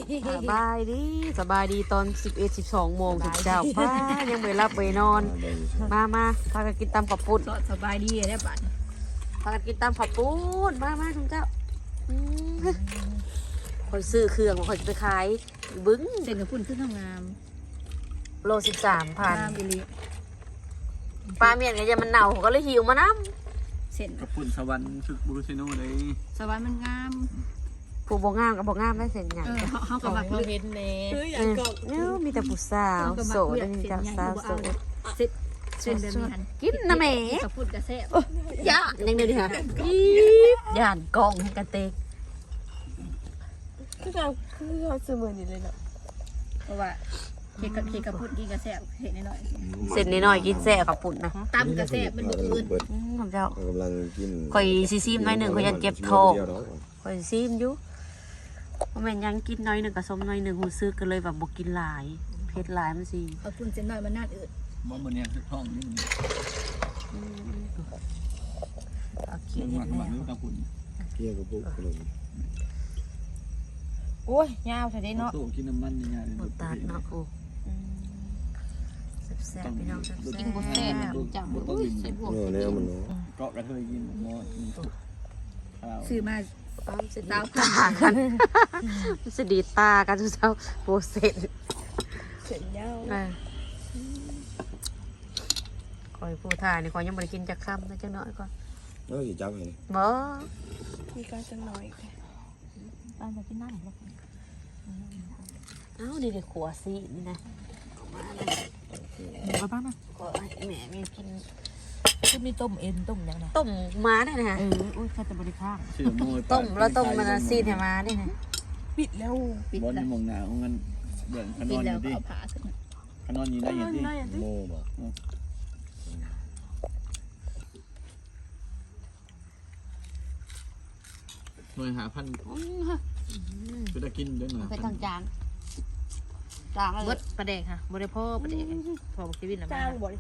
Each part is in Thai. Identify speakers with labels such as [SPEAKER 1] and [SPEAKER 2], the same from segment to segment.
[SPEAKER 1] สบายดีตอน11-12 โมงถึงเจ้าป้ายังไม่รับไปนอนมาพากันกินตำข้าวปุ้น
[SPEAKER 2] สบายดีได้ป่ะ
[SPEAKER 1] พากันกินตำข้าวปุ้นมาทุกเจ้าคอยซื้อเครื่องคอยไปขายบึ้ง
[SPEAKER 2] เส้นข้าวปุ้นขึ้นทำงาม
[SPEAKER 1] โล13,000ปลาเมียนไงจะมันเน่าก็เลยหิวมาน้
[SPEAKER 2] ำเส้น
[SPEAKER 3] ข้าวปุ้นสวรรค์ชุดบูรุษโน่เลย
[SPEAKER 2] สวรรค์มันงาม
[SPEAKER 1] ผู้บ่งามกับบ่งามได้เส้นใหญ่
[SPEAKER 2] เขากับบักเห็นเน่
[SPEAKER 1] มีแต่ผู้สาวโสดมีแต่สาวโสด
[SPEAKER 2] เส้นเดิมหัน
[SPEAKER 1] กินนะแม่
[SPEAKER 2] ข้าวปุ้นกระแซบ
[SPEAKER 1] ย่ายังเดียวดิค่ะย่านกองให้กระเตก
[SPEAKER 4] คือเราซื้อมือนี่เลยเนาะ
[SPEAKER 2] เพราะว่าเค้กกระปุ้นกินกระแซบเห็นน้อย
[SPEAKER 1] เส้นน้อยกินแซ่กับปุ่นนะ
[SPEAKER 2] ตั้มกระแซบมันบึ้น
[SPEAKER 1] ผมเจ้าก
[SPEAKER 5] ำลังกิน
[SPEAKER 1] คอยซีมน้อยหนึ่งคอยยันเจ็บท้องคอยซีมอยู่เพราะแม่ยังกินน้อยหนึ่งกับส้มน้อยหนึ่งหูซื้อกันเลยแบบบกินหลายเผ็ดหลายมันสิ
[SPEAKER 2] ข้าวปุ้นเส้นน้อยมันน่าอืด
[SPEAKER 3] มองบนเนี่ยท้องนี่มันหวานข้าวปุ้น
[SPEAKER 5] เกี่ยวกับปุ๊บเลย
[SPEAKER 4] โอ้ยยาวแต่ได้เนาะ
[SPEAKER 3] ตู้กินน้ำมันยังไง
[SPEAKER 1] หมดตาเนาะกูแซ่บพี่น้อง
[SPEAKER 2] กินบุฟเฟ่ต์จับบุฟเฟ่ต์ใส่บวก
[SPEAKER 5] เนี่ยมัน
[SPEAKER 3] เกาะกระเทยกินหม้อ
[SPEAKER 2] ซื้อมา
[SPEAKER 1] ตากันสดีตากันทุกเช้าโปรเซส
[SPEAKER 4] เสร็จแล้ว
[SPEAKER 1] คอยผู้ถ่ายนี่คอยยังไม่ได้กินจากค่ำนะจังน้อยก่อน
[SPEAKER 5] กี่จับเลย
[SPEAKER 1] บ่
[SPEAKER 4] มีการจังน้อย
[SPEAKER 1] บ้านจะกินน้ำหรอเอ้าดีเลยขัวซีนี่นะ
[SPEAKER 2] มาบ้างนะ
[SPEAKER 1] ก็แม่มีกิน
[SPEAKER 2] คือมีต้มเอ็นต้มยังไง
[SPEAKER 1] ต้มม้าได้นะ
[SPEAKER 2] อุ้ยแค่แต่บริข้าง
[SPEAKER 1] ต้มแล้วต้มมันซีดให้ม้าได้นะ
[SPEAKER 4] ปิดแล้ว
[SPEAKER 3] บอลในมองหนาวงั้นเบื่อขนอนอยู่ดิขนอนอยู่ได้ยังดิ
[SPEAKER 5] โม่บอก
[SPEAKER 3] หน่วยหาพันคือได้กินด้วยหน่อย
[SPEAKER 1] ไปทางจางเบิดประเด็กค่ะบริโภคประเด็กพอชีวิตนะ
[SPEAKER 4] จ้างบ่อย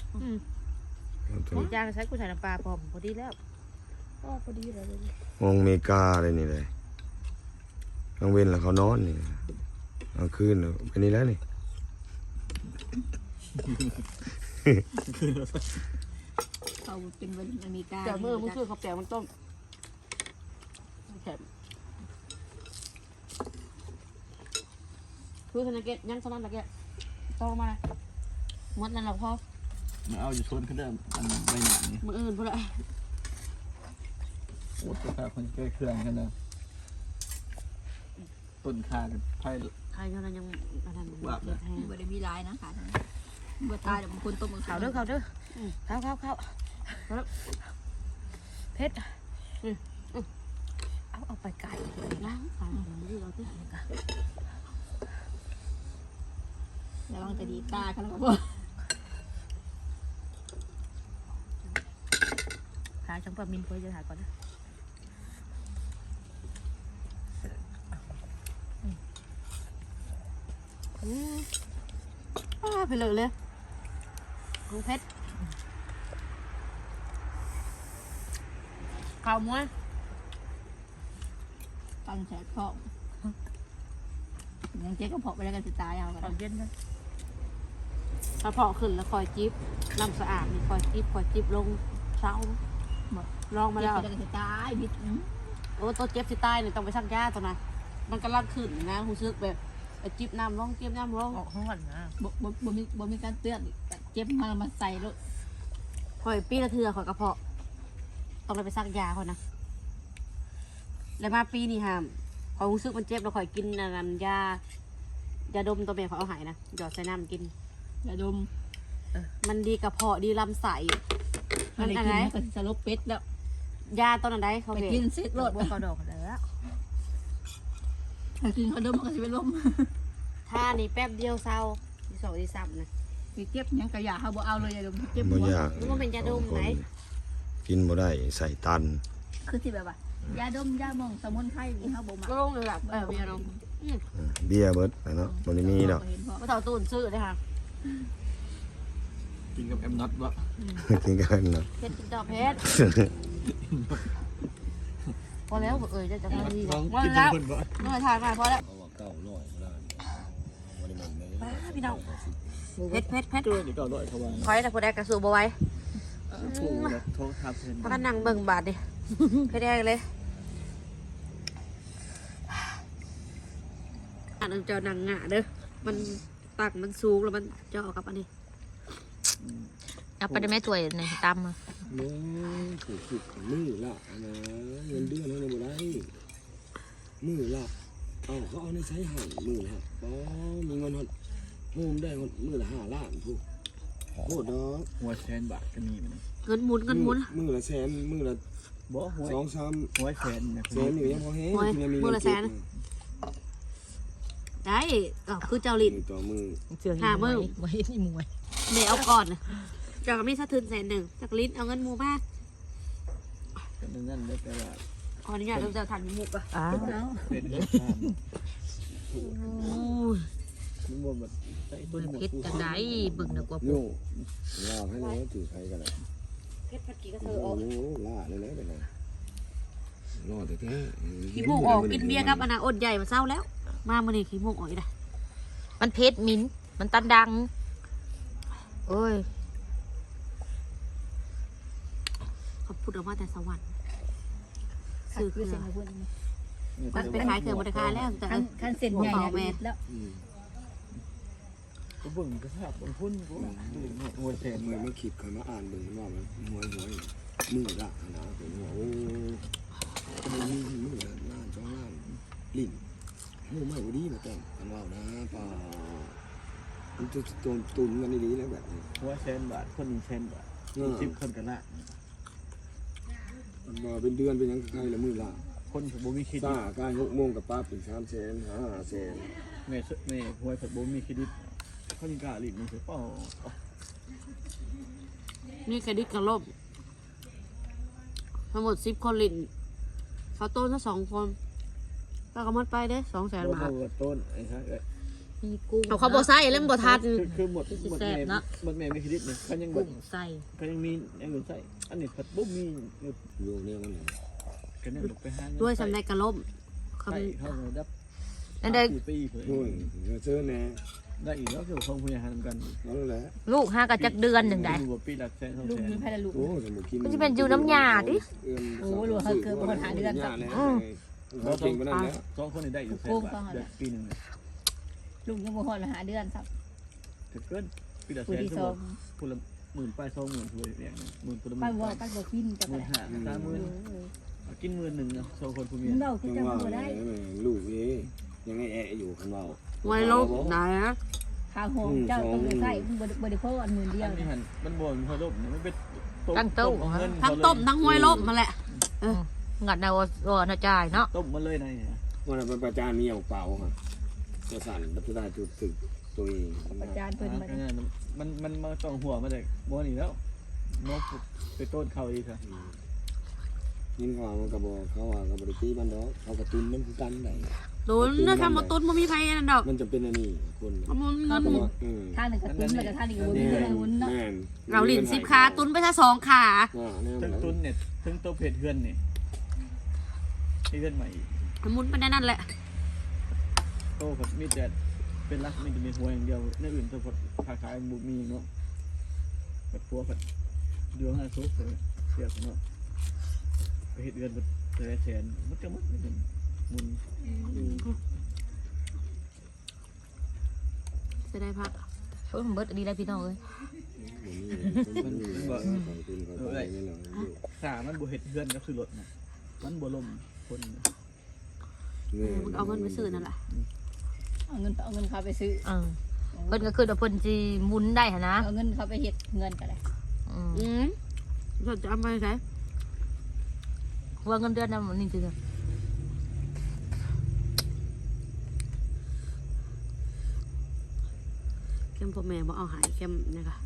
[SPEAKER 1] จ้างใช้กุ้งใส่น้ำปลาพอดีแล้ว
[SPEAKER 4] พอดีเลย
[SPEAKER 5] มองเมกาเลยนี่เลยกลางเว้นแล้วเขานอนนี่กลางคืนไปนี่แล้วนี่
[SPEAKER 2] เขาเป็นวันอเมริกา
[SPEAKER 1] แต่เมื่อมันคือข้าวแกงมันต้มแข็งคือขนาดเกะยังขนาดเกะโตมาหมดนั่นหรอพ่อ
[SPEAKER 3] มาเอาอยู่ชนขึ้นเดิมอันใบหนานี่
[SPEAKER 1] มืออื่นพอละ
[SPEAKER 3] โอ้ตัวขาคนใกล้เครื่องกันเลยต้นขากับไผ่
[SPEAKER 1] ใครเขายังอะไร
[SPEAKER 3] ว่าแบบ
[SPEAKER 2] บ่ได้มีลายนะค่ะบ่ตายแต่บางคนต้ม
[SPEAKER 1] เขาเด้อเข้าเพชรเอาไปไก่ล้างไปเราที่ไหนกัน
[SPEAKER 2] ระวังจะดีตากันแล้วก็
[SPEAKER 1] หาช่างปลามินเพื่อจะถ่ายก่อนนะไปเลยดูเพชรข่าวม้วน
[SPEAKER 2] ตั้งแฉกเพาะยังเจ๊ก็เพาะไปแล้วกันจะตายเอากัน
[SPEAKER 1] เย็นนะถ้าเพาะขึ้นแล้วคอยจิ๊บน้ำสะอาดนี่คอยจิ๊บลงเช้าลองมาแล้ว
[SPEAKER 2] จะตายบิด
[SPEAKER 1] โอ้ตัวเจ็บสิตายเนี่ยต้องไปซักยาตัวนะมันกำลังขึ้นนะหูซึกแบบจิ๊บน้ำลงจิ๊บน้ำลง
[SPEAKER 2] ออกข้างหลังนะบ่มีการเตือนเจ็บมาใส่รถ
[SPEAKER 1] คอยปีละเทือคอยกระเพาะต้องไปซักยาคนนะแล้วมาปีนี่ฮะคอยหูซึกมันเจ็บเราคอยกินยาดมตัวเมียคอยเอาหายนะหยอดใส่น้ำกิน
[SPEAKER 2] ยาดม
[SPEAKER 1] มันดีกระเพาะดีลำไส้
[SPEAKER 2] มันอะไรก็จะลบเป็ดแล้ว
[SPEAKER 1] ยาต้นอะไรเขา
[SPEAKER 2] ไปกินเซ็ตรถ
[SPEAKER 1] บัวกระดกแล้ว
[SPEAKER 2] กินเขาดมมันก็จะเป็นลม
[SPEAKER 1] ถ้านี่แป๊บเดียวเศร้าที่สองที่สามนะ
[SPEAKER 2] มีเจ็บยังกระยาเขาบอกเอาเลยยาดมเจ็บ
[SPEAKER 5] หัว
[SPEAKER 1] รู้ว่าเป็นยาดมไหน
[SPEAKER 5] กินบ่ได้ใส่ตัน
[SPEAKER 2] คือที่แบบว่ายาดมยามองสมุนไพรเขาบอกมา
[SPEAKER 1] ก็ลงเลยแบบเบียร์ดม
[SPEAKER 5] เบียร์เบิร์ดเนาะมันมีดอก
[SPEAKER 1] ว่าเต่าตูนซื้อเลยค่ะ
[SPEAKER 3] กินกับแอมน็อตวะ
[SPEAKER 5] กินกันเนาะ
[SPEAKER 1] เพชรดอกเพชรพอแล้วจะทำดี
[SPEAKER 3] ว่าแล้ว
[SPEAKER 1] เมื่อทานมาพอแล้วพี่น้องเผ็ดเผ็ดเผ็ด
[SPEAKER 3] ตัวนี่ก็ด้วยเขาว่า
[SPEAKER 1] คอยแต่ผู้ใดกระสูบเอาไว้
[SPEAKER 3] ถูกแล้วโทษทับเพิ่น
[SPEAKER 1] พากันนั่งเบิ่งบาดดิเผ็ดแห้งเลยอันนั้นเจ้านังงะเด้อมันตักมันสูงแล้วมันเจาะกับอันนี้
[SPEAKER 2] เอาไปได้แม่ถ้วยในตำ
[SPEAKER 5] มึงถูกผิดมือละนะเงินเดือนเขาเนี่ยบ่ได้มือละเอาเขาเอาในใช้หั่นมือละอ๋อมีเงินหดโฮมได้หดมือละ5 ล้านพูโคตรดอก
[SPEAKER 3] หัวแสนบาทก็มีมัน
[SPEAKER 1] เงินหมุนเงินหมุน
[SPEAKER 5] มือละแสนมือละ
[SPEAKER 3] บ่หัว
[SPEAKER 5] 2-3
[SPEAKER 3] หัวแสนนะ
[SPEAKER 5] แสนอยู่ยังพอแห้ง
[SPEAKER 1] โอ้ย
[SPEAKER 5] ที่มี
[SPEAKER 1] มือละแสน ได้ก็คือเจ้าลิ้น
[SPEAKER 5] ต่อมือ
[SPEAKER 1] หามือ
[SPEAKER 2] ไว้นี่มวย
[SPEAKER 1] เดี๋ยวเอาก่อนนะเจ้าก็มีสะทึน100,000จากลิ้นเอาเงินหมูมา
[SPEAKER 3] ก็นั่นได้แต่ว่า
[SPEAKER 1] ขออนุญาตเราจะทานหมูก่อน
[SPEAKER 2] อ้าว
[SPEAKER 3] เป็นเรื่องตามมันบ่แบบใส่ต้นหมก
[SPEAKER 2] เผ็ดจังไดเบิ่งน่ะกว่า
[SPEAKER 5] โย่ล่าให้แล้วถือใครกันเลย
[SPEAKER 1] เพชรผัดกี่กระเท
[SPEAKER 5] โอ้
[SPEAKER 1] อออก
[SPEAKER 5] โหล่าเลยแล้วไปเลยรอดแท้ๆ
[SPEAKER 1] ขี้มูกออกกินเบียร์กับอนาอดใหญ่มาเศร้าแล้ว มามื่อนี้ขี้มูกออกอีกแล้ว
[SPEAKER 2] มันเผ็ดมิ้นมันตันดังโอ้ย
[SPEAKER 1] เขาพูดออกมาแต่สวรรค์สื่อ
[SPEAKER 2] คือ
[SPEAKER 1] เกลื
[SPEAKER 2] เส้
[SPEAKER 1] อน
[SPEAKER 2] ให้เพิ่น
[SPEAKER 1] มันไปขายเครื่องบริการแล้วแต่
[SPEAKER 2] ขั้นเส้นใหญ่แล้ว
[SPEAKER 3] ก็เบิ่งกระทาบบางคนก็หัวแสน
[SPEAKER 5] มือมาขีดคอยมาอ่านเบิ่งว่ามันหวยมือละนะผมว่าโอ้มือละล้าน2 ล้านลิ้นโอ้ไม่ดีมาแต่งกันว่านะป่ามันจะตุนกันดีๆแล้วแบบนี้
[SPEAKER 3] หัวแสนบาทคน1แสนบาท10คนกันละ
[SPEAKER 5] มันมาเป็นเดือนเป็นยังใครละมือละ
[SPEAKER 3] คนบ่มีเครดิ
[SPEAKER 5] ซ่า
[SPEAKER 3] ต
[SPEAKER 5] กาย6 โมงกับป้าเป็น3 แสน5 แสน
[SPEAKER 3] แม่หัวบ่มีเครดิตเขายังกล้าลิ้นมันสิเปล่า
[SPEAKER 1] นี่เครดิตกระลบทั้งหมด10 คนลิ้นเขาโต้นทั้ง2 คนก็กำมัดไปเด้200,000 บาท
[SPEAKER 3] ต้นไอ้ฮะ
[SPEAKER 2] มีกุ้ง
[SPEAKER 1] เอาเขาบอกใส่แล้วมันบอกทัน
[SPEAKER 3] คือหมดแม่มีเครดิตเนี่ยเขายัง
[SPEAKER 2] กุ้งใส่
[SPEAKER 3] เขายังมีอย่างอื่นใส่อันนี้ผัดบ่มี
[SPEAKER 5] อยู่เนี่ยมัน
[SPEAKER 3] กันนั่นไปหา
[SPEAKER 1] ด้วยสำในกระลบ
[SPEAKER 3] ใส่เข้ามาดับ
[SPEAKER 2] นั่นเด้อ
[SPEAKER 3] ปีเผย
[SPEAKER 5] โอ้ยเจอแน่
[SPEAKER 3] ได้อีกแล้วคือของพยาหันกัน
[SPEAKER 5] นั่นแหละ
[SPEAKER 2] ลูกหากันจักเดือนหนึ่งได้
[SPEAKER 3] ปีละแสน2
[SPEAKER 2] ลูก
[SPEAKER 3] แสน
[SPEAKER 2] มีไผละลูก
[SPEAKER 5] โอ้สมุกิน
[SPEAKER 2] มันจะเป็นอยู่น้ำยาดิ
[SPEAKER 5] โอ้หลวงเขาเกิดปัญหาเดือนเขาเก่งกว่านั้นแล้ว
[SPEAKER 3] 2 คนนี่ได้อยู่แสนบาทปีนึง
[SPEAKER 2] ลูกยังบ่ฮอดละหาเดือนซับ
[SPEAKER 3] ถึงเกินปีละแส
[SPEAKER 2] ผู้
[SPEAKER 3] น
[SPEAKER 2] ที่
[SPEAKER 3] ส
[SPEAKER 2] ส
[SPEAKER 3] อ
[SPEAKER 2] อง ง
[SPEAKER 3] คนละ10,000ไป20,000ถ้วยอย่าง10,000คนละ
[SPEAKER 2] ไปบ่
[SPEAKER 3] 10,000
[SPEAKER 2] ไปบ่กินจังได๋
[SPEAKER 3] 30,000กิน10,000นะ2คนผู้เมีย
[SPEAKER 2] เล่าคือจังบ่ได้
[SPEAKER 5] ลูกนี่ยังไงแอะอยู่คันเบา
[SPEAKER 1] ไว้ลบไหนนะ
[SPEAKER 2] ข้าวหอมเจ้าต้องไปใส่บ่ได้พออันมื้อเดีย
[SPEAKER 3] อั
[SPEAKER 2] วน
[SPEAKER 3] นี้หันมันบ่มันพอลบมันเป็น
[SPEAKER 1] ทั้งต้มทั้งห้วยลบมาแหละ
[SPEAKER 2] งัดแนวน่าจ่ายเนาะ
[SPEAKER 3] ต้มมาเลยนะ
[SPEAKER 5] วันเป็นประจานมีเอาเปล่าค่ะจะสั่นบัตรได้จุดถึกตัวเอง
[SPEAKER 2] อาจารย์เพิ่นมา
[SPEAKER 3] มันมาต้องหัวมาจากบ่นี่แล้วนกไปต้นเขาอีกค่ะ
[SPEAKER 5] ยินเขามันกระบอกเขาว่ากระบอกตีมันดอกเขากระตุ้นมันคือกันไหน
[SPEAKER 1] โดนนะคำมาตุ้นมันมีไฟนั่นดอก
[SPEAKER 5] มันจะเป็นอันนี้คน
[SPEAKER 1] มันเงิน
[SPEAKER 2] ท่านึงก็ตุ้นแล้วก็ท่านี้ก็บ่มีเงินวุ้นเนาะ
[SPEAKER 1] เราหลิน10 ขาตุ้นไปซะ2 ขา
[SPEAKER 3] ถึงตุนเนี่ยถึงตัวเพจเพื่อนนี่เพื่อนใหม่
[SPEAKER 1] มันมุนไปได้นั่นแหละ
[SPEAKER 3] โตกับมีแต่เป็นรักไม่จะมีหัวอย่างเดียวในอื่นตัวขาขายบุมีเนาะแบบพัวแบบเดือน5 ซุกเลยเสียเนาะไปเห็ดเดือนแสนมันจะมัดมันมุน
[SPEAKER 1] จะได้พัก
[SPEAKER 2] เพิ่นเบิดดีได้พี่น้องเอ้ย
[SPEAKER 3] ขามันบ่เห็ดเพื่อนก็คือรถนะมันบ่ลมคน
[SPEAKER 1] มึงเอาเงินไปซื้อนั่นแหละ
[SPEAKER 2] เอาเงินเขาไปซื้อเพิ่นก็คือว่าเพิ่นสิหมุนได้หั่นนะเอาเงินเขาไปเฮ็ดเงินก็ได้
[SPEAKER 1] จะเอาไปใช้
[SPEAKER 2] ว่าเงินเดือนนำนี่คือ
[SPEAKER 1] เข้มพ่อแม่บอกเอาหายเข้มนี่ค่ะ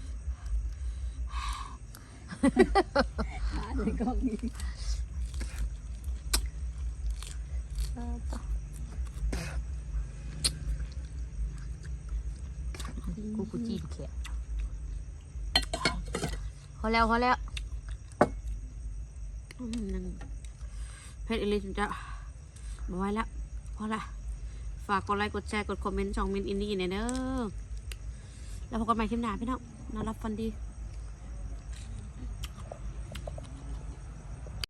[SPEAKER 2] เลยก็มีกูจีนแขกพอแล้ว
[SPEAKER 1] นั่งเพชรอิลิสจะมาไว้แล้วพอละฝฝากกดไลค์กดแชร์กดคอมเมนต์ช่องมินอินดี้เนี่ยเด้อแล้วพบกันใหม่คลิปหน้าพี่น้องนอนรับฟันดี